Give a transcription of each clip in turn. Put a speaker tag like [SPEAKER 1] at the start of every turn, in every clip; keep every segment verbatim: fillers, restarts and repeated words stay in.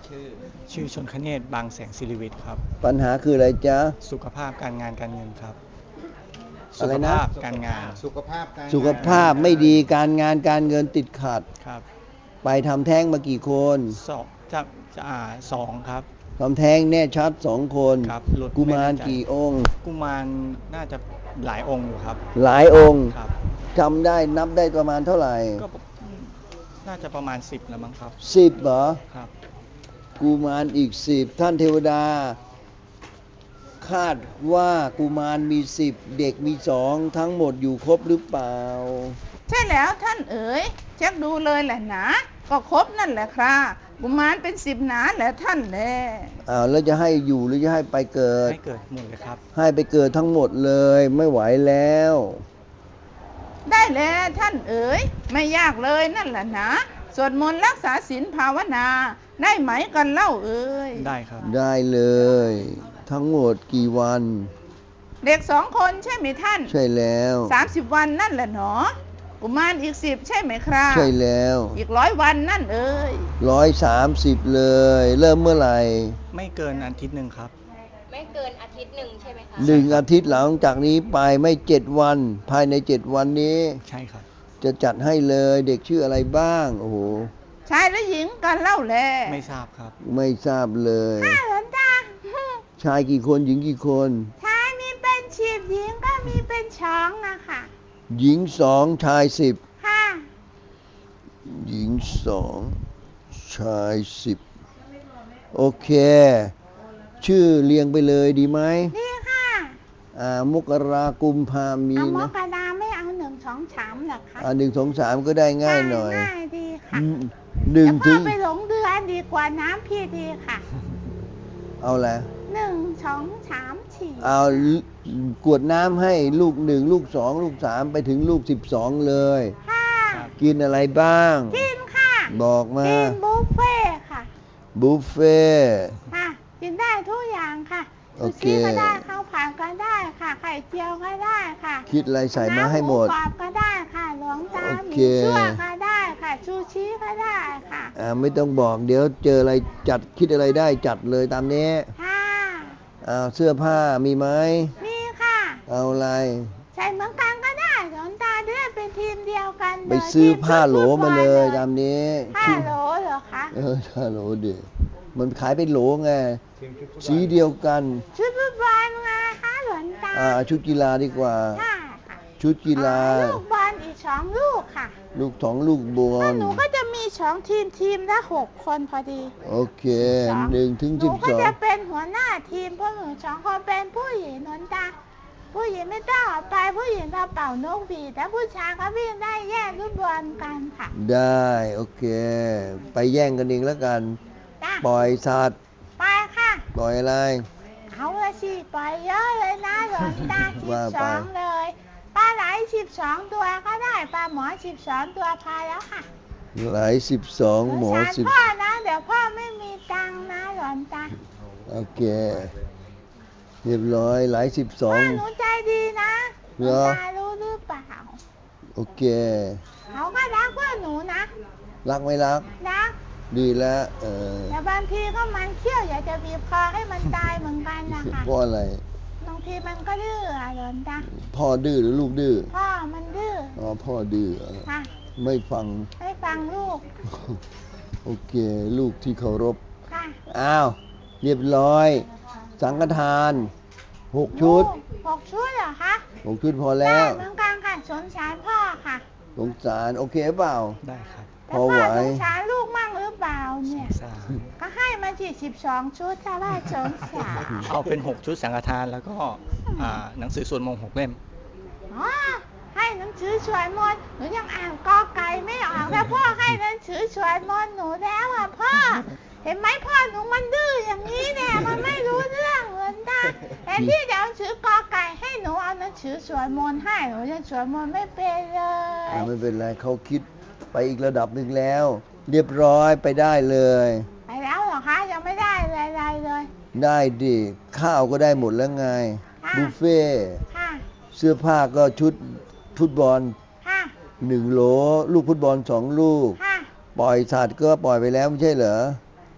[SPEAKER 1] ชื่อ
[SPEAKER 2] ชื่อชนคเนศบางแสงศิริวิทย์ครับ
[SPEAKER 3] ปัญหาคืออะไรจ๊ะ
[SPEAKER 2] สุขภาพการงานการเงินครับสุ
[SPEAKER 3] อะไรนะ
[SPEAKER 2] ขภาพการงาน
[SPEAKER 1] สุขภาพการ
[SPEAKER 3] สุขภาพไม่ดีการงานการเงินติดขัด
[SPEAKER 2] ครับ
[SPEAKER 3] ไปทำแท้งมากี่คน
[SPEAKER 2] สองจะจะอ่าสองครับ
[SPEAKER 3] ทำแท้งแน่ชัดสองคน
[SPEAKER 2] ครับ
[SPEAKER 3] กุมารกี่องค์
[SPEAKER 2] กุมารน่าจะหลายองค์อยู่ครับ
[SPEAKER 3] หลายองค์
[SPEAKER 2] ครับ
[SPEAKER 3] จำได้นับได้ประมาณเท่าไหร่
[SPEAKER 2] ก็น่าจะประมาณสิบแล้วมั้งครับ
[SPEAKER 3] สิบเหรอ
[SPEAKER 2] ครับ
[SPEAKER 3] กุมารอีกสิบท่านเทวดาคาดว่ากุมารมีสิบเด็กมีสองทั้งหมดอยู่ครบหรือเปล่า
[SPEAKER 4] ใช่แล้วท่านเอ๋ยเช็คดูเลยแหละนะก็ครบนั่นแหละครับกุมารเป็นสิบหนาแหละท่านแล
[SPEAKER 3] อ้าวแล้วจะให้อยู่หรือจะให้ไปเกิด
[SPEAKER 2] ให้เกิดหมดเลยครับ
[SPEAKER 3] ให้ไปเกิดทั้งหมดเลยไม่ไหวแล้ว
[SPEAKER 4] ได้แล้วท่านเอ๋ยไม่ยากเลยนั่นแหละนะสวดมนต์รักษาศีลภาวนาได้ไหมกันเล่าเอ๋ย
[SPEAKER 2] ได้ครับ
[SPEAKER 3] ได้เลยทั้งหมดกี่วัน
[SPEAKER 4] เด็กสองคนใช่ไหมท่าน
[SPEAKER 3] ใช่แล้ว
[SPEAKER 4] สามสิบวันนั่นแหละหนอกุมารอีกสิบใช่ไหมครับ
[SPEAKER 3] ใช่แล้ว
[SPEAKER 4] อีกร้อยวันนั่นเอ๋ย
[SPEAKER 3] ร้อยสามสิบเลยเริ่มเมื่อไหร่
[SPEAKER 2] ไม่เกินอาทิตย์หนึ่งครับ
[SPEAKER 5] ไม่เกินอาทิตย์หนึ่งใช่ไหมคะ
[SPEAKER 3] หนึ่งอาทิตย์หลังจากนี้ไปไม่เจ็ดวันภายในเจ็ดวันนี้
[SPEAKER 2] ใช่ครับ
[SPEAKER 3] จะจัดให้เลยเด็กชื่ออะไรบ้างโอ้โห
[SPEAKER 4] ชายหรือหญิงกันเล่าแล
[SPEAKER 2] ไม่ทราบครับ
[SPEAKER 3] ไม่ทราบเลย
[SPEAKER 4] ค่ะหลวงตา
[SPEAKER 3] ชายกี่คนหญิงกี่คน
[SPEAKER 4] ชายมีเป็นสิบหญิงก็มีเป็นช้องนะคะ
[SPEAKER 3] หญิงสองชายสิบ
[SPEAKER 4] ค่ะ
[SPEAKER 3] หญิงสองชายสิบโอเคชื่อเรียงไปเลยดีไหม
[SPEAKER 4] ดีค่ะ
[SPEAKER 3] อ่ามกรากุมภามี
[SPEAKER 4] เอา
[SPEAKER 3] ไหม
[SPEAKER 4] มกราไม่เอาหนึ่งสองสามหรอคะ
[SPEAKER 3] อ่าหนึ่งสองสามก็ได้ง่ายหน่อย
[SPEAKER 4] ง่ายดีค่ะ
[SPEAKER 3] หนึ่งถึง
[SPEAKER 4] ไปหลงเดือนดีกว่าน้ำพี่ดีค่ะ
[SPEAKER 3] เอาละ
[SPEAKER 4] หนึ่งสองสามสี่
[SPEAKER 3] เอากวดน้ำให้ลูกหนึ่งลูกสองลูกสามไปถึงลูกสิบสองเลย
[SPEAKER 4] ค่ะ
[SPEAKER 3] กินอะไรบ้าง
[SPEAKER 4] กินค่ะ
[SPEAKER 3] บอกมา
[SPEAKER 4] กินบุฟเฟ่ค่ะ
[SPEAKER 3] บุฟเฟ่
[SPEAKER 4] ค่ะกินได้ทุกอย่างค่ะ
[SPEAKER 3] ซู
[SPEAKER 4] ชิก็ได้ข้าวผัดก็ได้ค่ะไข่เจียวก็ได้ค่ะ
[SPEAKER 3] คิดอะไรใส่มาให้หมด
[SPEAKER 4] น้ำหมูกรอบก็ได้ค่ะหลวงตาหมี่ซั่วก็ได้ค่ะซูชิก็ได้ค่ะ
[SPEAKER 3] อ่าไม่ต้องบอกเดี๋ยวเจออะไรจัดคิดอะไรได้จัดเลยตามนี้
[SPEAKER 4] ค่ะ
[SPEAKER 3] อ้าวเสื้อผ้ามีไหม
[SPEAKER 4] มีค่ะ
[SPEAKER 3] เอาอะไร
[SPEAKER 4] ใส่เหมือนกันก็ได้หลวงตาจะได้เป็นทีมเดียวกัน
[SPEAKER 3] ไปซื้อผ้าโหลมาเลยตามนี้
[SPEAKER 4] ผ้าโหลเหรอคะ
[SPEAKER 3] เออผ้าโหลเดี๋ยวมันขายเป็นโหลไงสีเดียวกัน
[SPEAKER 4] ชุดฟุตบอลไงคะหลวงตา
[SPEAKER 3] อ่าชุดกีฬาดีกว่าชุดกีฬา
[SPEAKER 4] ลูกบอลอีกสองลูกค่ะ
[SPEAKER 3] ลูกสองลูกบอล
[SPEAKER 4] หนูก็จะมีสองทีมทีมละหกคนพอดี
[SPEAKER 3] โอเคหนึ่งถึงสิบสอง
[SPEAKER 4] หนูก็จะเป็นหัวหน้าทีมเพราะหนูสองคนเป็นผู้หญิงหลวงตาผู้หญิงไม่ต้องออกไปผู้หญิงเราเป่านกหวีดแต่ผู้ชายก็วิ่งได้แย่งลูกบอลกันค่ะ
[SPEAKER 3] ได้โอเคไปแย่งกันเองแล้วกันปล่อยสัตว์
[SPEAKER 4] ไปค่ะ
[SPEAKER 3] ปล่อยอะไร
[SPEAKER 4] เอาละสิปล่อยเยอะเลยนะหลวงตาสิบสองเลยปลาไหลสิบสองตัวก็ได้ปลาหมอสิบสองตัวพอแล้วค่ะ
[SPEAKER 3] ไหลสิบสองหมอสิบ
[SPEAKER 4] พ่อนะเดี๋ยวพ่อไม่มีตังค์นะหลวงตา
[SPEAKER 3] โอเคเรียบร้อยไหลสิบสอง
[SPEAKER 4] หนูใจดีนะหลวงตารู้หรือเปล่า
[SPEAKER 3] โอเค
[SPEAKER 4] เขาก็รักเพื่อนหนูนะ
[SPEAKER 3] รักไม่รัก
[SPEAKER 4] รัก
[SPEAKER 3] ดีแล้วเออ
[SPEAKER 4] แต่บางทีก็มันเขี้ยวอยากจะบีบคอให้มันตายเหมือนกันนะคะ
[SPEAKER 3] เพราะอะไร
[SPEAKER 4] บางทีมันก็ดื้ออะหลวงตา
[SPEAKER 3] พ่อดื้อหรือลูกดื้อ
[SPEAKER 4] พ่อมันดื้อ
[SPEAKER 3] อ๋อพ่อดื้อ
[SPEAKER 4] ค่ะ
[SPEAKER 3] ไม่ฟัง
[SPEAKER 4] ไม่ฟังลูก
[SPEAKER 3] โอเคลูกที่เคารพ
[SPEAKER 4] ค่ะ
[SPEAKER 3] อ้าวเรียบร้อยสังฆทานหกชุด
[SPEAKER 4] หกชุดเหรอคะ
[SPEAKER 3] หกชุดพอแล้ว
[SPEAKER 4] เหมือนกันค่ะสงสารพ่อค่ะ
[SPEAKER 3] สงสารโอเคเปล่า
[SPEAKER 2] ได้ครับ
[SPEAKER 3] พอไหว
[SPEAKER 4] สงสารลูกมั่งหรือเปล่าเนี่ยก็ให้มาที่สิบสองชุดถ้าว่าสงสาร
[SPEAKER 2] เอาเป็นหกชุดสังฆทานแล้วก็หนังสือสวดมนต์หกเล่ม
[SPEAKER 4] อ๋อให้หนังสือสวดมนต์หนูยังอ่านกอไก่ไม่ออกแล้วพ่อให้หนังสือสวดมนต์หนูแล้วอ่ะพ่อเห็นไหมพ่อหนูมันดื้ออย่างนี้เนี่ยมันไม่รู้เรื่องเหมือนกันแต่ที่จะเอาหนังสือกอไก่ให้หนูเอาหนังสือสวดมนต์ให้หนูยังสวดมนต์ไม่เป็นเลย
[SPEAKER 3] ไม่เป็นไรเขาคิดไปอีกระดับหนึ่งแล้วเรียบร้อยไปได้เลย
[SPEAKER 4] ไปแล้วเหรอคะยังไม่ได้อะไรเลย
[SPEAKER 3] ได้ดิข้าวก็ได้หมดแล้วไงบุฟเฟ่เสื้อผ้าก็ชุดฟุตบอลหนึ่งโหลลูกฟุตบอลสองลูกปล่อยสัตว์ก็ปล่อยไปแล้วไม่ใช่เหรอ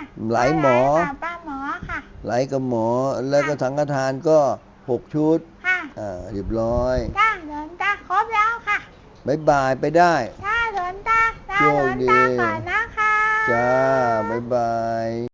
[SPEAKER 3] ไหลหมอ
[SPEAKER 4] ค่ะป้าหมอค่ะ
[SPEAKER 3] ไหลกับหมอ แล้วก็สังฆทานก็หกชุด
[SPEAKER 4] ค่ะ
[SPEAKER 3] อ่าเรียบร้อย
[SPEAKER 4] จ้าหลวงตาครบแล้วค่ะ
[SPEAKER 3] บายบายไปได้
[SPEAKER 4] จ้าหลวงตาจ้า
[SPEAKER 3] โช
[SPEAKER 4] หล
[SPEAKER 3] คว
[SPEAKER 4] ง
[SPEAKER 3] ดี
[SPEAKER 4] ตาก่อนนะคะ
[SPEAKER 3] จ้า บ๊ายบาย